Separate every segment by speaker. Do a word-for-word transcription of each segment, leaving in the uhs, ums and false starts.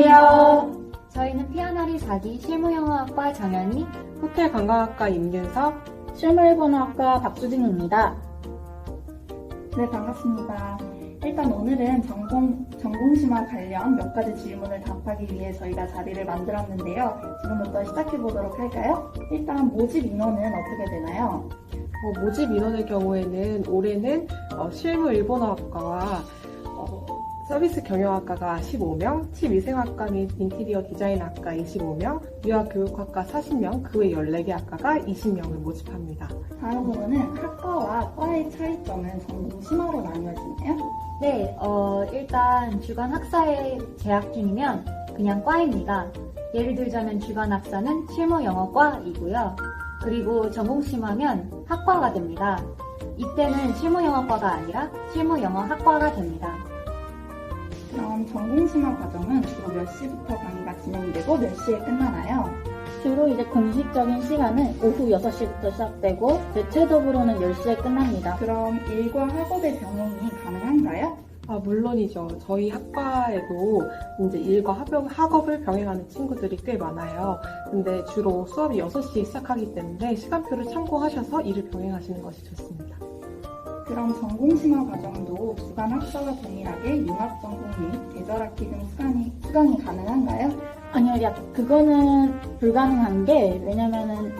Speaker 1: 안녕하세요. 저희는 피아나리 사 기 실무영어학과 정연이,
Speaker 2: 호텔 관광학과 임윤석,
Speaker 3: 실무일본어학과 박수진입니다.
Speaker 4: 네, 반갑습니다. 일단 오늘은 전공, 전공심화 관련 몇 가지 질문을 답하기 위해 저희가 자리를 만들었는데요. 지금부터 시작해 보도록 할까요? 일단 모집 인원은 어떻게 되나요?
Speaker 2: 어, 모집 인원의 경우에는 올해는 어, 실무 일본어학과와 어, 서비스 경영학과가 십오 명, 치위생학과 및 인티리어 디자인학과 이십오 명, 유아교육학과 사십 명, 그 외 열네 개 학과가 이십 명을 모집합니다.
Speaker 4: 다음으로는 학과와 과의 차이점은 전공심화로 나뉘어지나요?
Speaker 1: 네, 어, 일단 주간 학사에 재학 중이면 그냥 과입니다. 예를 들자면 주간 학사는 실무영어과이고요. 그리고 전공심화면 학과가 됩니다. 이때는 실무영어과가 아니라 실무영어학과가 됩니다.
Speaker 4: 그럼 전공심화 과정은 주로 몇 시부터 강의가 진행되고 몇 시에 끝나나요?
Speaker 3: 주로 이제 공식적인 시간은 오후 여섯 시부터 시작되고 대체적으로는 열 시에 끝납니다.
Speaker 4: 그럼 일과 학업의 병행이 가능한가요?
Speaker 2: 아, 물론이죠. 저희 학과에도 이제 일과 학업, 학업을 병행하는 친구들이 꽤 많아요. 근데 주로 수업이 여섯 시에 시작하기 때문에 시간표를 참고하셔서 일을 병행하시는 것이 좋습니다.
Speaker 4: 그럼 전공심화 과정도 주간 학사와 동일하게 융합전공 및 계절학기 등 수강이, 수강이 가능한가요?
Speaker 3: 아니요, 야, 그거는 불가능한 게 왜냐면은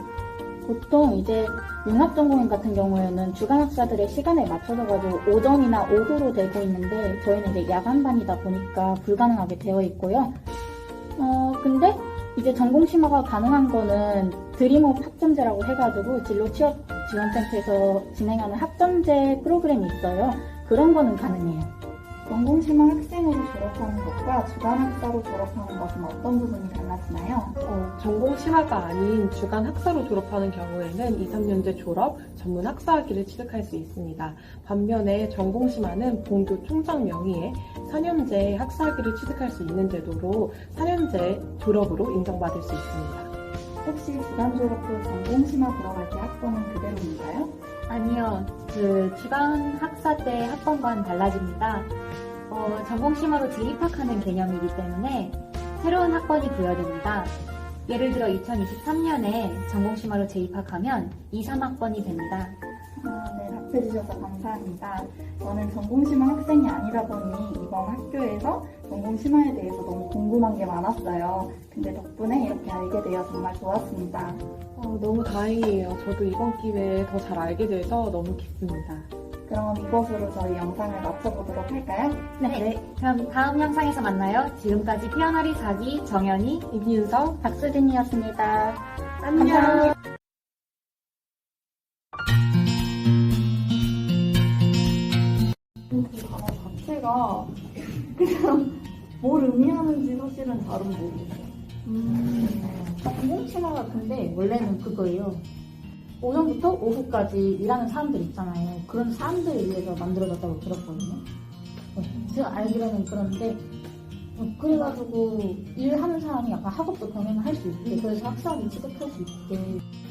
Speaker 3: 보통 이제 융합전공인 같은 경우에는 주간 학사들의 시간에 맞춰서 가지고 오전이나 오후로 되고 있는데 저희는 이제 야간반이다 보니까 불가능하게 되어 있고요. 어, 근데 이제 전공심화가 가능한 거는 드림업 학점제라고 해가지고 진로 취업 지원센터에서 진행하는 학점제 프로그램이 있어요. 그런 거는 가능해요.
Speaker 4: 전공심화 학생으로 졸업하는 것과 주간 학사로 졸업하는 것은 어떤 부분이 달라지나요?
Speaker 2: 어, 전공 심화가 아닌 주간 학사로 졸업하는 경우에는 이, 삼 년제 졸업, 전문 학사학위를 취득할 수 있습니다. 반면에 전공 심화는 본교 총장 명의의 사 년제 학사학위를 취득할 수 있는 제도로 사 년제 졸업으로 인정받을 수 있습니다.
Speaker 4: 혹시 주간 졸업 후 전공심화 들어갈 때 학번은 그대로인가요?
Speaker 1: 아니요, 그 주간 학사 때 학번과는 달라집니다. 어, 전공심화로 재입학하는 개념이기 때문에 새로운 학번이 부여됩니다. 예를 들어 이천이십삼 년에 전공심화로 재입학하면 이, 삼 학번이 됩니다.
Speaker 4: 아, 네, 답해주셔서 감사합니다. 저는 전공심화 학생이 아니다 보니 이번 학교에서 전공심화에 대해서 너무 궁금한 게 많았어요. 근데 덕분에 이렇게 알게 되어 정말 좋았습니다.
Speaker 2: 어, 너무 다행이에요. 저도 이번 기회에 더 잘 알게 돼서 너무 기쁩니다.
Speaker 4: 그럼 이것으로 저희 영상을 마쳐보도록 할까요?
Speaker 1: 네, 그럼 다음 영상에서 만나요. 지금까지 피아나리 사 기 정연이,
Speaker 2: 임윤석,
Speaker 3: 박수진이었습니다.
Speaker 2: 안녕!
Speaker 3: 감사합니다.
Speaker 4: 이 단어 자체가 그냥 뭘 의미하는지 사실은 잘은 모르겠어요.
Speaker 3: 음, 전공심화가 근데 원래는 그거예요. 오전부터 오후까지 일하는 사람들 있잖아요. 그런 사람들을 위해서 만들어졌다고 들었거든요. 어, 제가 알기로는 그런데 어, 그래가지고 일하는 사람이 약간 학업도 병행할 수 있게 그래서 학사학위 취득할 수 있게